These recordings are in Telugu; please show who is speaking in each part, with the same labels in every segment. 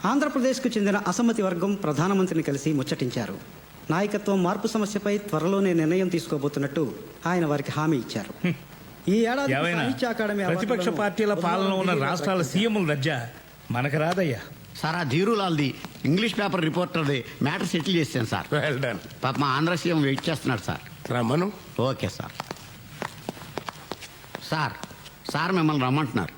Speaker 1: ఆంధ్రప్రదేశ్కు చెందిన అసమ్మతి వర్గం ప్రధానమంత్రిని కలిసి ముచ్చటించారు. నాయకత్వం మార్పు సమస్యపై త్వరలోనే నిర్ణయం తీసుకోబోతున్నట్టు ఆయన వారికి హామీ ఇచ్చారు. ఈ ఏడాది సాహిత్య అకాడమీ
Speaker 2: ప్రతిపక్ష పార్టీల పాలన ఉన్న రాష్ట్రాల సీఎంల దర్జా మనకు రాదయ్యా.
Speaker 3: సార్ ఆ ధీరులాల్ది ఇంగ్లీష్ పేపర్ రిపోర్టర్ది మ్యాటర్ సెటిల్ చేశాను సార్.
Speaker 4: Well done.
Speaker 3: పాప మా ఆంధ్ర సీఎం వెయిట్ చేస్తున్నాడు సార్.
Speaker 4: రమ్మను.
Speaker 3: Okay sir. సార్ సార్ మిమ్మల్ని రమ్మంటున్నారు.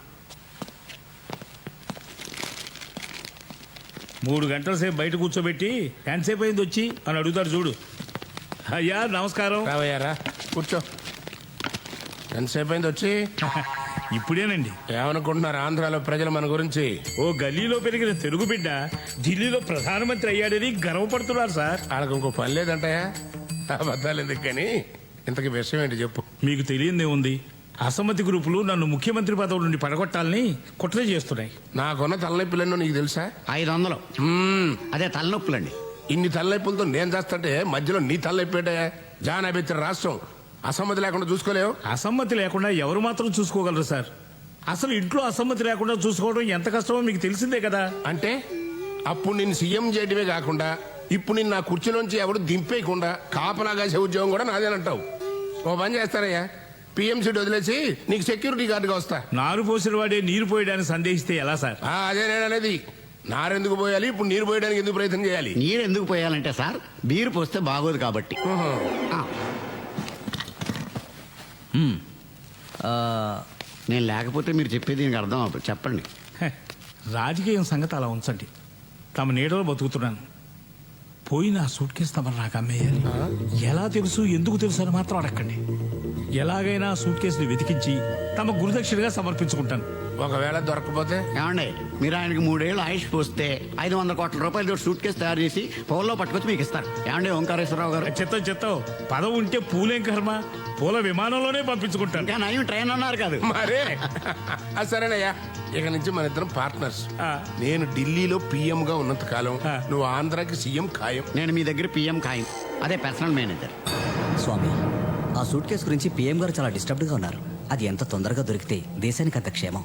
Speaker 2: 3 గంటల సేపు బయట కూర్చోబెట్టి ఎంతసేపు అయింది వచ్చి అని అడుగుతారు చూడు. అయ్యా నమస్కారం.
Speaker 4: రావయ్యారా కూర్చో. ఎంతసేపు అయింది వచ్చి?
Speaker 2: ఇప్పుడేనండి.
Speaker 4: ఏమనుకుంటున్నారు ఆంధ్రాలో ప్రజలు మన గురించి?
Speaker 2: ఓ గల్లీలో పెరిగిన తెలుగు బిడ్డ ఢిల్లీలో ప్రధానమంత్రి అయ్యాడని గర్వపడుతున్నారు సార్.
Speaker 4: వాళ్ళకి ఇంకో పని లేదంటాయా? అబద్ధాలు ఎందుకు కానీ ఇంతకీ విషయం ఏంటి చెప్పు.
Speaker 2: మీకు తెలియందే ఉంది. అసమ్మతి గ్రూపులు నన్ను ముఖ్యమంత్రి పదవి నుండి పడగొట్టాలని కుట్ర చేస్తున్నాయి.
Speaker 4: నాకున్న తలనొప్పులన్నో నీకు తెలుసా?
Speaker 3: 500. అదే తలనొప్పులండి.
Speaker 4: ఇన్ని తలనొప్పులతో నేను చేస్తుంటే మధ్యలో నీ తలనొప్పేటే? జానా బెత్తిన రాష్ట్రం అసమ్మతి లేకుండా చూసుకోలేవు.
Speaker 2: అసమ్మతి లేకుండా ఎవరు మాత్రం చూసుకోగలరు సార్? అసలు ఇంట్లో అసమ్మతి లేకుండా చూసుకోవడం ఎంత కష్టమో మీకు తెలిసిందే కదా.
Speaker 4: అంటే అప్పుడు నిన్ను సీఎం చేయడమే కాకుండా ఇప్పుడు నిన్ను నా కుర్చీలోంచి ఎవరు దింపేయకుండా కాపలా కాసే ఉద్యోగం కూడా నాదేనంటావు. ఓ పని చేస్తారయ్యా, పిఎంసీ వదిలేసి నీకు సెక్యూరిటీ గార్డుగా వస్తా.
Speaker 2: నారు పోసిన వాడే నీరు పోయడానికి సందేహిస్తే ఎలా సార్?
Speaker 4: అదే నేను అనేది. నారెందుకు పోయాలి, ఇప్పుడు నీరు పోయడానికి ఎందుకు ప్రయత్నం చేయాలి?
Speaker 3: నీరు ఎందుకు పోయాలంటే సార్ బీరు పోస్తే బాగోదు కాబట్టి. నేను లేకపోతే మీరు చెప్పేది దీనికి అర్థం అవ్వదు. చెప్పండి.
Speaker 2: రాజకీయం సంగతి అలా ఉంచండి. తమ నీడలో బతుకుతున్నాను. పోయిన సూట్ కేసు తమరు నాకు అమ్మేయాలి. ఎలా తెలుసు, ఎందుకు తెలుసు అని మాత్రం అడగండి. ఎలాగైనా సూట్ కేసుని వెతికించి తమ గురుదక్షిణగా సమర్పించుకుంటాను.
Speaker 4: ఒకవేళ దొరకపోతే?
Speaker 3: ఏమండి, మీరు ఆయనకి 3 ఏళ్ళు ఆయుష్ పోస్తే 500 కోట్ల రూపాయలు సూట్ కేసు తయారు చేసి పౌల్లో పట్టుకొచ్చి మీకు ఇస్తారు. ఏమండి ఓంకారేశ్వరరావు గారు?
Speaker 2: చెత్తం పదవి ఉంటే పూలేం కర్మ, పూల విమానంలోనే పంపించుకుంటాను.
Speaker 3: ఇంకా నయం ట్రైన్ అన్నారు కాదు
Speaker 4: మరే. సరేనయ్యా, ఇక నుంచి మన ఇద్దరం పార్ట్నర్స్. నేను ఢిల్లీలో పిఎం గా ఉన్నంత కాలం నువ్వు ఆంధ్రాకి సీఎం ఖాయం.
Speaker 3: నేను మీ దగ్గర పిఎం ఖాయం. అదే పర్సనల్ మేనేజర్.
Speaker 5: స్వామి, ఆ సూట్ కేసు గురించి పిఎం గారు చాలా డిస్టర్బ్డ్ గా ఉన్నారు. అది ఎంత తొందరగా దొరికితే దేశానికి అంత క్షేమం.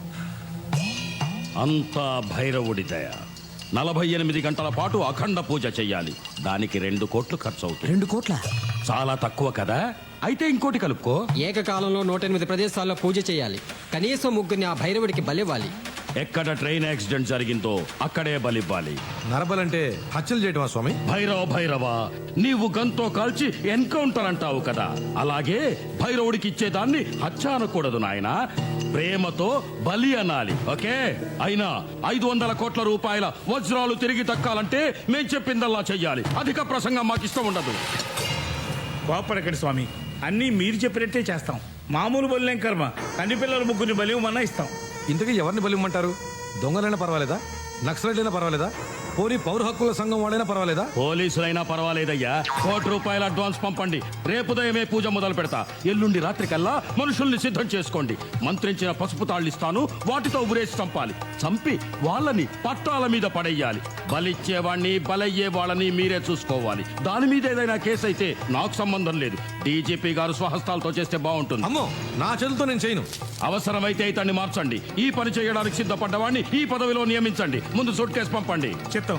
Speaker 6: అంతా భైరవుడి దయ. 48 గంటల పాటు అఖండ పూజ చెయ్యాలి. దానికి 2 కోట్లు ఖర్చు అవుతుంది.
Speaker 5: 2 కోట్ల?
Speaker 6: చాలా తక్కువ కదా. అయితే ఇంకోటి కలుపుకో.
Speaker 7: ఏకకాలంలో 108 ప్రదేశాల్లో పూజ చేయాలి. కనీసం 3 ఆ భైరవుడికి బలివ్వాలి.
Speaker 6: ఎక్కడ ట్రైన్ యాక్సిడెంట్ జరిగిందో అక్కడే బలివ్వాలి.
Speaker 8: నరబలంటే హత్యలు చేయటమా స్వామి?
Speaker 6: భైరవ నీవు గంతో కాల్చి ఎన్కౌంటర్ అంటావు కదా, అలాగే భైరవుడికి ఇచ్చేదాన్ని హత్య అనకూడదు నాయనా, ప్రేమతో బలి అనాలి. ఓకే? అయినా 500 కోట్ల రూపాయల వజ్రాలు తిరిగి దక్కాలంటే మేం చెప్పిందల్లా చెయ్యాలి. అధిక ప్రసంగం మాకు ఇష్టం ఉండదు.
Speaker 2: కోపడకండి స్వామి, అన్నీ మీరు చెప్పినట్టే చేస్తాం. మామూలు బలిలేం కర్మ, కంటి పిల్లల 3 బలివమన్నా ఇస్తాం.
Speaker 8: ఇంతకీ ఎవరిని బలిమ్మంటారు? దొంగలైనా పర్వాలేదా? నక్సలైనా పర్వాలేదా? పోనీ పౌర హక్కుల సంఘం వాళ్ళైనా పర్వాలేదా?
Speaker 6: పోలీసులైనా పర్వాలేదయ్యా. 1 కోటి రూపాయల అడ్వాన్స్ పంపండి. రేపు ఉదయమే పూజ మొదలు పెడతా. ఎల్లుండి రాత్రికల్లా మనుషుల్ని సిద్ధం చేసుకోండి. మంత్రించిన పసుపు తాళ్ళిస్తాను, వాటితో ఉరేసి చంపాలి. చంపి వాళ్ళని పట్టాల మీద పడేయాలి. బలిచ్చేవాణ్ణి బలయ్యే వాళ్ళని మీరే చూసుకోవాలి. దాని మీద ఏదైనా కేసు అయితే నాకు సంబంధం లేదు. డీజీపీ గారు స్వహస్తాలతో చేస్తే బాగుంటుంది.
Speaker 8: అమ్మో, నా చేతులతో నేను చేయను.
Speaker 6: అవసరమైతే ఇతన్ని మార్చండి. ఈ పని చేయడానికి సిద్ధపడ్డవాడిని ఈ పదవిలో నియమించండి. ముందు సూట్ కేసు పంపండి.
Speaker 2: చెప్తాం.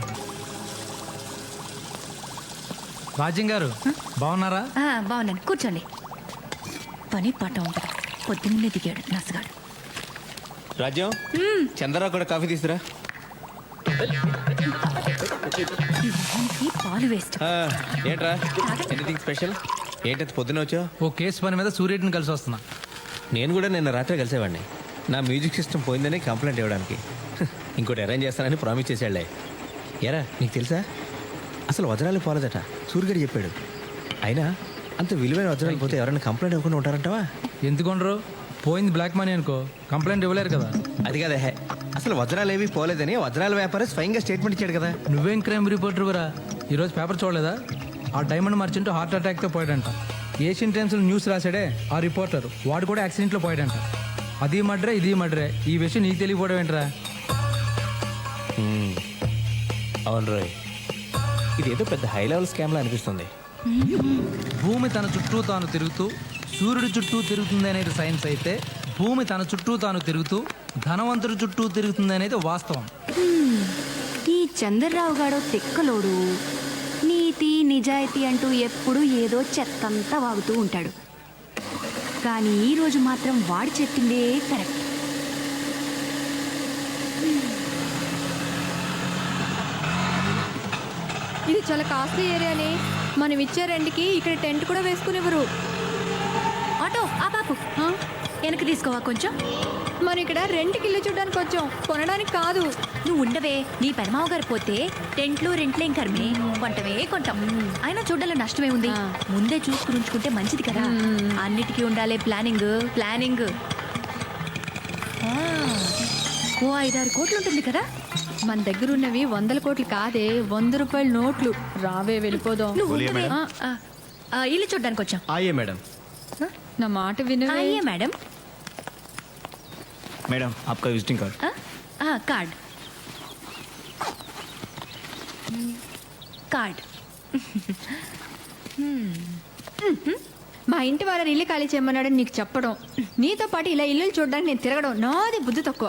Speaker 8: రాజ్యం గారు బాగున్నారా?
Speaker 9: బాగున్నాను, కూర్చోండి. పని పాట ఉంటుంది. పొద్దున్నే దిగాడు నసగాడు.
Speaker 10: రాజ్యం, చంద్రరావు కూడా కాఫీ తీసుకురా.
Speaker 9: పాలు వేస్ట్.
Speaker 10: ఏంట్రా ఎనీథింగ్ స్పెషల్? ఏంటంటే పొద్దున వచ్చావు?
Speaker 8: ఓ కేసు పని మీద సూర్యుడిని కలిసి వస్తున్నా.
Speaker 10: నేను కూడా నిన్న రాత్రి కలిసేవాడిని. నా మ్యూజిక్ సిస్టమ్ పోయిందని కంప్లైంట్ ఇవ్వడానికి. ఇంకోటి అరేంజ్ చేస్తానని ప్రామిస్ చేశాడులే. ఎరా నీకు తెలుసా, అసలు వజ్రాలు పోలేదట సూర్యుడు చెప్పాడు. అయినా అంత విలువైన వజ్రాలు పోతే ఎవరైనా కంప్లైంట్ ఇవ్వకుండా ఉంటారంటావా?
Speaker 8: ఎందుకుండరు? పోయింది బ్లాక్ మనీ అనుకో, కంప్లైంట్ ఇవ్వలేరు కదా.
Speaker 10: అది కదా, అసలు వజ్రాలు ఏవి పోలేదని వజ్రాల వ్యాపారి స్వయంగా స్టేట్మెంట్ ఇచ్చాడు కదా.
Speaker 8: నువ్వేం క్రైమ్ రిపోర్టర్ కూడా ఈరోజు పేపర్ చూడలేదా? ఆ డైమండ్ మర్చెంట్ హార్ట్ అటాక్తో పోయాడంట. ఏషియన్ టైమ్స్లో న్యూస్ రాశాడే ఆ రిపోర్టర్, వాడు కూడా యాక్సిడెంట్లో పోయాడంట. అది మడ్రే ఇది మడ్రే. ఈ విషయం నీకు తెలియకపోవడం ఏంట్రా?
Speaker 10: అవును రోయ్, ఇదేదో పెద్ద హై లెవెల్ స్కామ్లా అనిపిస్తుంది.
Speaker 8: భూమి తన చుట్టూ తాను తిరుగుతూ సూర్యుడి చుట్టూ తిరుగుతుంది అనేది సైన్స్ అయితే, భూమి తన చుట్టూ తాను తిరుగుతూ ధనవంతుడి చుట్టూ తిరుగుతుంది అనేది వాస్తవం.
Speaker 9: ఈ చంద్రరావు గాడో తిక్కలోడు నీతి నిజాయితీ అంటూ ఎప్పుడూ ఏదో చెత్తంతా వాగుతూ ఉంటాడు. కానీ ఈ రోజు మాత్రం వాడు చెప్పిందే కరెక్ట్.
Speaker 11: ఇది చాలా కాస్ట్లీ ఏరియానే. మనం ఇచ్చే రెంట్కి ఇక్కడ టెంట్ కూడా వేసుకునేవారు.
Speaker 9: ఆటో ఆ బాపు వెనక్కి తీసుకోవా కొంచెం.
Speaker 11: మనం ఇక్కడ రెంట్కి ఇల్లు చూడడానికి వచ్చాం, కొనడానికి కాదు.
Speaker 9: నువ్వు ఉండవే, నీ పెనమావ గారు పోతే టెంట్లు రెంట్లేం కర్మే, కొంటమే కొంటాం. అయినా చూడాలో నష్టమే ఉంది. ముందే చూసుకుని ఉంచుకుంటే మంచిది కదా. అన్నిటికీ ఉండాలి ప్లానింగ్ ప్లానింగ్. ఓ 5-6 కోట్లు ఉంటుంది కదా.
Speaker 11: మన దగ్గర ఉన్నవి 100 కోట్లు కాదే, 100 రూపాయల నోట్లు. రావే వెళ్ళిపోదాం.
Speaker 9: నువ్వు ఉండవే. ఇల్లు చూడడానికి వచ్చాం.
Speaker 10: ఆయే మేడం.
Speaker 11: నా మాట వినవే.
Speaker 9: అయ్యే మేడం.
Speaker 10: మేడం आपका विजिटिंग कार्ड.
Speaker 9: Card card.
Speaker 11: మా ఇంటి వాళ్ళని ఇల్లు ఖాళీ చేయమన్నాడని నీకు చెప్పడం, నీతో పాటు ఇలా ఇల్లు చూడడానికి నేను తిరగడం నాది బుద్ధి తక్కువ.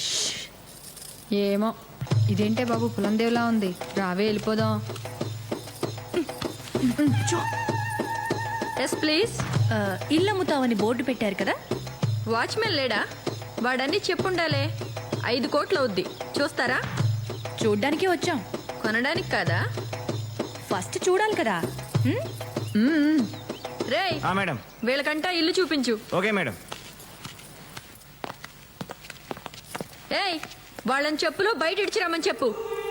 Speaker 11: ఏమో ఇదేంటే బాబు పులందేవ్లా ఉంది. రావే వెళ్ళిపోదాం.
Speaker 12: Yes please.
Speaker 9: ఇల్లు అమ్ముతావని బోర్డు పెట్టారు కదా.
Speaker 12: వాచ్మెన్ లేడా? వాడన్నీ చెప్పుండాలే. 5 కోట్లు అవుద్ది, చూస్తారా?
Speaker 9: చూడ్డానికి వచ్చాం,
Speaker 12: కొనడానికి కాదా?
Speaker 9: ఫస్ట్ చూడాలి కదా.
Speaker 12: రేయ్
Speaker 10: మేడం.
Speaker 12: వీళ్ళకంటా ఇల్లు చూపించు.
Speaker 10: Okay madam.
Speaker 12: ఏయ్ వాళ్ళని చెప్పులు బయట ఇడిచిరామని చెప్పు.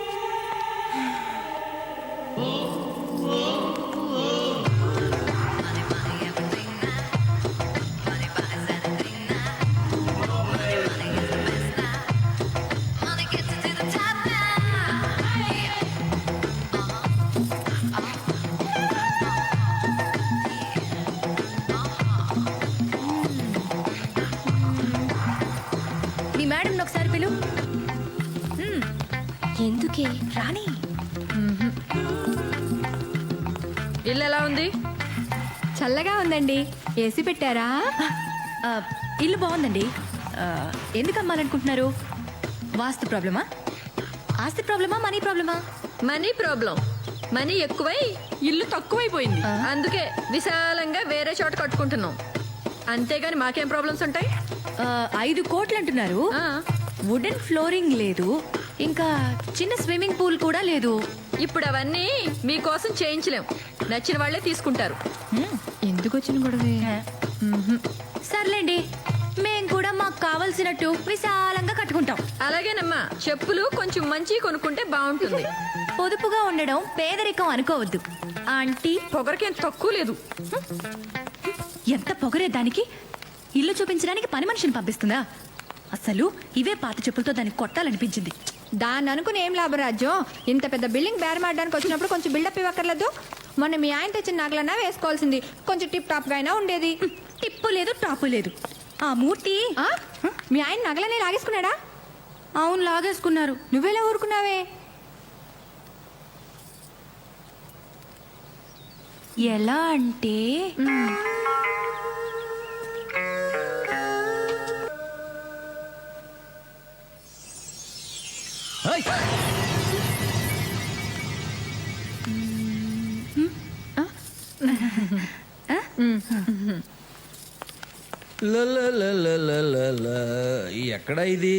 Speaker 9: మీ మేడం ఒకసారి పిలు. ఎందుకే రాణి.
Speaker 12: ఇల్లు ఎలా ఉంది?
Speaker 11: చల్లగా ఉందండి. ఏసీ పెట్టారా?
Speaker 9: ఇల్లు బాగుందండి. ఎందుకు అమ్మాలనుకుంటున్నారు? వాస్తు ప్రాబ్లమా, ఆస్తి ప్రాబ్లమా, మనీ ప్రాబ్లమా?
Speaker 12: Money problem. మనీ ఎక్కువై ఇల్లు తక్కువైపోయింది. అందుకే విశాలంగా వేరే చోట కట్టుకుంటున్నాం. అంతేగాని మాకేం ప్రాబ్లమ్స్ ఉంటాయి?
Speaker 9: 5 కోట్లు అంటున్నారు. వుడెన్ ఫ్లోరింగ్ లేదు, ఇంకా చిన్న స్విమ్మింగ్ పూల్ కూడా లేదు.
Speaker 12: ఇప్పుడు అవన్నీ మీకోసం చేయించలేం. నచ్చిన వాళ్ళే తీసుకుంటారు.
Speaker 11: ఎందుకు వచ్చిన గొడవే?
Speaker 9: సర్లేండి, మేం కూడా మాకు కావలసినట్టు విశాలంగా కట్టుకుంటాం.
Speaker 12: అలాగేనమ్మా, చెప్పులు కొంచెం మంచి కొనుక్కుంటే బాగుంటుంది.
Speaker 9: పొదుపుగా ఉండడం పేదరికం అనుకోవద్దు ఆంటీ.
Speaker 12: పొగరకేం తక్కువ లేదు.
Speaker 9: ఎంత పొగరే దానికి. ఇల్లు చూపించడానికి పని మనిషిని పంపిస్తుందా? అసలు ఇవే పాత చెప్పులతో దాన్ని కొట్టాలనిపించింది.
Speaker 11: దాన్ని అనుకుని ఏం లాభరాజ్యం. ఇంత పెద్ద బిల్డింగ్ బేరమాడడానికి వచ్చినప్పుడు కొంచెం బిల్డప్ ఇవ్వక్కర్లేదు. మొన్న మీ ఆయన తెచ్చిన నగలన్నా వేసుకోవాల్సింది. కొంచెం టిప్ టాప్ గా అయినా ఉండేది.
Speaker 9: టిప్పు లేదు, టాపు లేదు. ఆ మూర్తి
Speaker 11: మీ ఆయన నగలనే లాగేసుకున్నాడా?
Speaker 9: అవును, లాగేసుకున్నారు.
Speaker 11: నువ్వెలా ఊరుకున్నావే?
Speaker 9: ఎలా అంటే
Speaker 8: ఎక్కడ ఇది?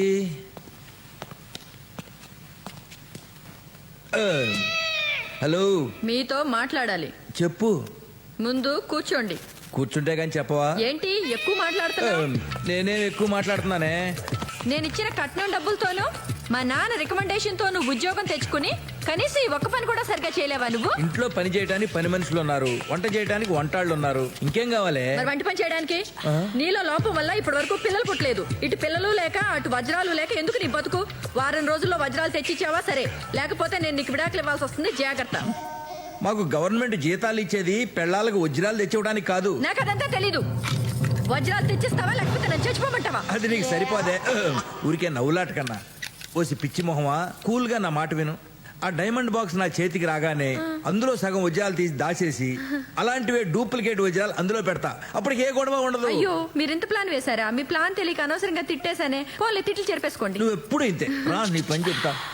Speaker 8: హలో,
Speaker 12: మీతో మాట్లాడాలి.
Speaker 8: చెప్పు.
Speaker 12: ముందు కూర్చోండి.
Speaker 8: కూర్చుంటే కానీ చెప్పవా?
Speaker 12: ఏంటి ఎక్కువ మాట్లాడుతున్నావు?
Speaker 8: నేనేం ఎక్కువ మాట్లాడుతున్నానే?
Speaker 12: నేను ఇచ్చిన కట్నం డబ్బులతోనూ మా నాన్న రికమెండేషన్ తో నువ్వు ఉద్యోగం తెచ్చుకుని కనీసం ఈ ఒక్క పని కూడా సరిగ్గా చేయలేవా నువ్వు?
Speaker 8: ఇంట్లో పని చేయడానికి పని మనుషులు ఉన్నారు, వంట చేయడానికి వంటాళ్ళు ఉన్నారు. ఇంకేం కావాలి?
Speaker 12: మరి వంట పని చేయడానికి నీలో లోపం వల్ల ఇప్పటి వరకు పిల్లలు పుట్టలేదు. ఇటు పిల్లలు లేక అటు వజ్రాలు లేక ఎందుకు నీ బతుకు? వారం రోజుల్లో వజ్రాలు తెచ్చిచ్చావా సరే, లేకపోతే నేను నీకు విడాకులు ఇవ్వాల్సి వస్తుంది. జాగ్రత్త.
Speaker 8: మాకు గవర్నమెంట్ జీతాలు ఇచ్చేది పెళ్ళాలకు వజ్రాలు తెచ్చివ్వడానికి కాదు.
Speaker 12: నాకు అదంతా తెలీదు. వజ్రాలు తెచ్చిస్తావా లేకపోతే నన్ను చచ్చిపోమంటావా?
Speaker 8: అది నీకు సరిపోదే. ఊరికే నవ్వులాట కన్నా. ఓసి పిచ్చి మొహమా, కూల్గా నా మాట విను. ఆ డైమండ్ బాక్స్ నా చేతికి రాగానే అందులో సగం వజ్రాలు తీసి దాచేసి అలాంటివే డూప్లికేట్ వజ్రాలు అందులో పెడతా. అప్పటికి ఏ గొడవ ఉండదు.
Speaker 12: అయ్యో, మీరు ఇంత ప్లాన్ వేశారా? మీ ప్లాన్ తెలియక అనవసరంగా తిట్టేశానే. పోలే, తిట్లు చెరిపేసుకోండి.
Speaker 8: నువ్వు ఎప్పుడు ఇంతే రా, నీ పని చెప్తా.